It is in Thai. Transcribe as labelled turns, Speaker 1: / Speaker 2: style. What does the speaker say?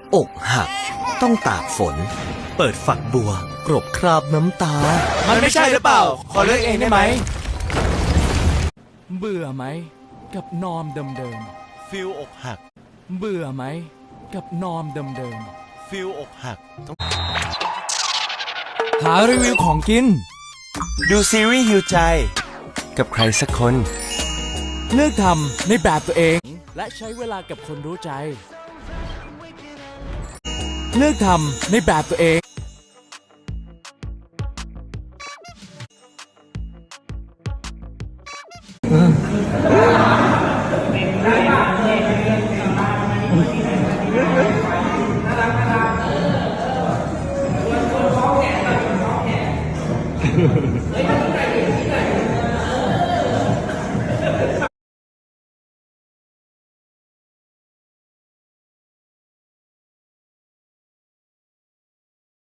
Speaker 1: อกหักต้องตากฝน เปิดฝักบัวกรบคราบน้ำตา
Speaker 2: มันไม่ใช่หรือเปล่า ขอเลือกเองได้ไหม
Speaker 3: เบื่อไหมกับนอมเดิม
Speaker 2: ฟิลอกหัก
Speaker 3: ๆเบื่อไหมกับนอมเดิม
Speaker 2: ฟิลอกหัก
Speaker 3: ๆหารีวิวของกิน
Speaker 2: ดูซีรีส์ฮิวใจ
Speaker 1: กับใครสักคน
Speaker 3: เลือกทำในแบบตัวเอง และใช้เวลากับคนรู้ใจ เลือกทำในแบบตัวเอง